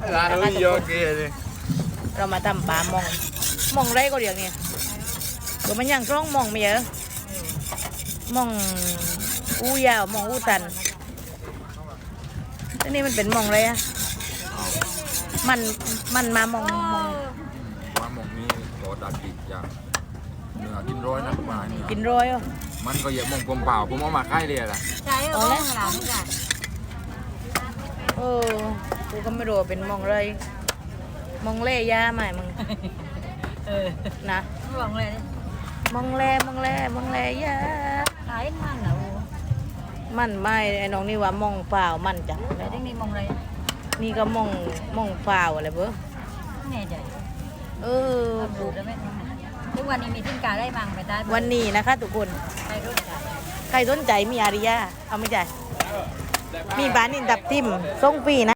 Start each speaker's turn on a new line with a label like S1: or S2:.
S1: ร้านนี้โยเกะเลย
S2: เรามาทำปลามองมองไรก็เดี๋ยวนี้เดี๋ยวมันยังร้องมองไม่เยอะมองอู้ยาวมองอู้ตันทีนี้มันเป็นมองไรอะมันมามอง
S1: ว่าหมกนี้ต่อตากิจอย่างเนื้อกินร้อยนะประมาณนี้
S2: กินร้อยอ่ะ
S1: มันก็เยอะมงกลมเปล่าผมเอามาค่ายเลยล่ะ
S3: ใช่เอาแล้วหลังจ้ะ
S2: เออกูก็ไม่รู้ว่าเป็นมองไรมองเล่ย่าใหม่มึง นะ
S3: หวังเลย
S2: มองแลย่า
S3: ขายมันเหรอ
S2: มันไม่ไอ้น้องนี่ว่ามองเปล่ามันจัง
S3: แต่ที่นี่มองอะไร
S2: นี่ก็มองเปล่าอะไรเบ้อ
S3: แน่ใจ
S2: เออ
S3: ดูได้ไหมทุกวันนี้มีทิ้งกาได้มังไปได้
S2: วันนี้นะคะทุกคน
S3: ไปรุ่นจ้ะ
S2: ใครสนใจมีอาริยาเอาไม่ใจมีบ้านอินดับทิมส่งฟรีนะ